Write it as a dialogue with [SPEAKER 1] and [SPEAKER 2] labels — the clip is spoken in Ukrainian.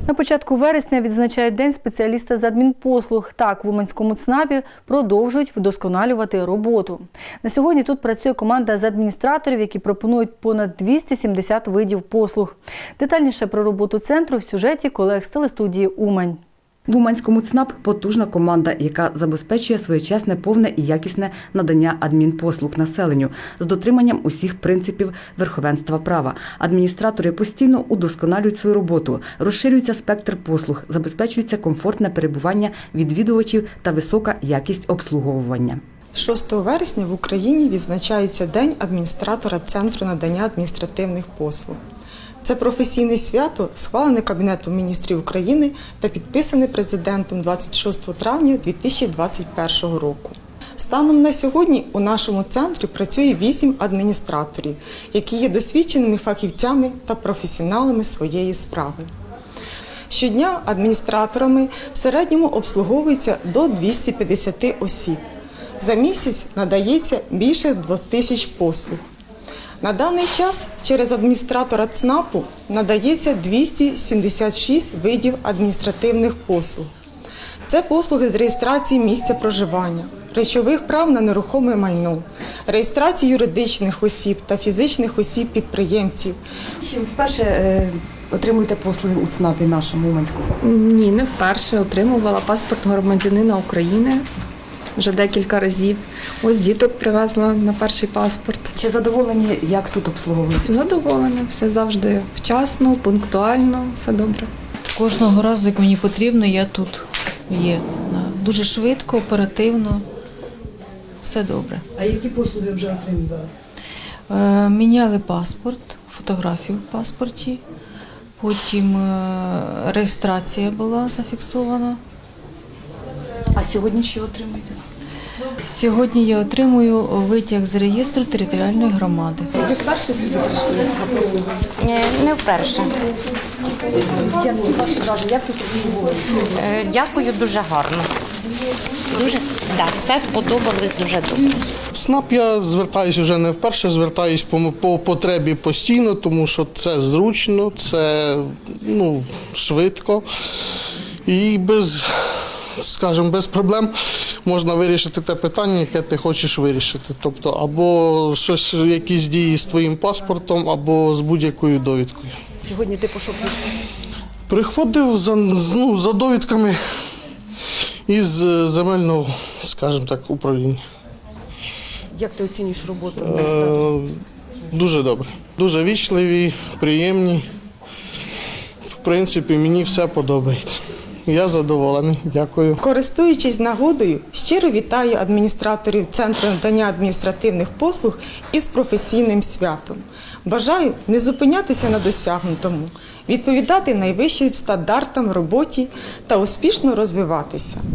[SPEAKER 1] На початку вересня відзначають День спеціаліста з адмінпослуг. Так, в Уманському ЦНАПі продовжують вдосконалювати роботу. На сьогодні тут працює команда з адміністраторів, які пропонують понад 270 видів послуг. Детальніше про роботу центру в сюжеті колег з телестудії «Умань».
[SPEAKER 2] В Уманському ЦНАП потужна команда, яка забезпечує своєчасне, повне і якісне надання адмінпослуг населенню з дотриманням усіх принципів верховенства права. Адміністратори постійно удосконалюють свою роботу, розширюється спектр послуг, забезпечується комфортне перебування відвідувачів та висока якість обслуговування.
[SPEAKER 3] 6 вересня в Україні відзначається День адміністратора Центру надання адміністративних послуг. Це професійне свято, схвалене Кабінетом міністрів України та підписане президентом 26 травня 2021 року. Станом на сьогодні у нашому центрі працює 8 адміністраторів, які є досвідченими фахівцями та професіоналами своєї справи. Щодня адміністраторами в середньому обслуговується до 250 осіб. За місяць надається більше 2000 послуг. На даний час через адміністратора ЦНАПу надається 276 видів адміністративних послуг. Це послуги з реєстрації місця проживання, речових прав на нерухоме майно, реєстрації юридичних осіб та фізичних осіб-підприємців.
[SPEAKER 2] Чим вперше отримуєте послуги у ЦНАПі нашому Уманському?
[SPEAKER 4] Ні, не вперше. Отримувала паспорт громадянина України вже декілька разів. Ось діток привезла на перший паспорт.
[SPEAKER 2] Чи задоволені, як тут обслуговують?
[SPEAKER 4] Задоволена, все завжди вчасно, пунктуально, все добре.
[SPEAKER 5] Кожного разу, як мені потрібно, я тут є. Дуже швидко, оперативно, все добре.
[SPEAKER 6] А які послуги вже отримали?
[SPEAKER 5] Міняли паспорт, фотографію в паспорті, потім реєстрація була зафіксована.
[SPEAKER 2] А сьогодні що отримуєте?
[SPEAKER 5] Сьогодні я отримую витяг з реєстру територіальної громади.
[SPEAKER 2] Ви вперше сюди прийшли за послугою?
[SPEAKER 7] Не вперше.
[SPEAKER 2] Як ваші враження, як тут обслуговують?
[SPEAKER 7] Дякую, дуже гарно. Все сподобалось дуже добре.
[SPEAKER 8] В ЦНАП я звертаюся вже не вперше, звертаюся по потребі постійно, тому що це зручно, це швидко і без проблем можна вирішити те питання, яке ти хочеш вирішити. Тобто або якісь дії з твоїм паспортом, або з будь-якою довідкою.
[SPEAKER 2] Сьогодні ти по що прийшов?
[SPEAKER 8] Приходив за довідками із земельного, скажімо так, управління.
[SPEAKER 2] Як ти оцінюєш роботу адміністратора?
[SPEAKER 8] Дуже добре. Дуже вічливі, приємні. В принципі, мені все подобається. Я задоволений. Дякую.
[SPEAKER 3] Користуючись нагодою, щиро вітаю адміністраторів Центру надання адміністративних послуг із професійним святом. Бажаю не зупинятися на досягнутому, відповідати найвищим стандартам в роботі та успішно розвиватися.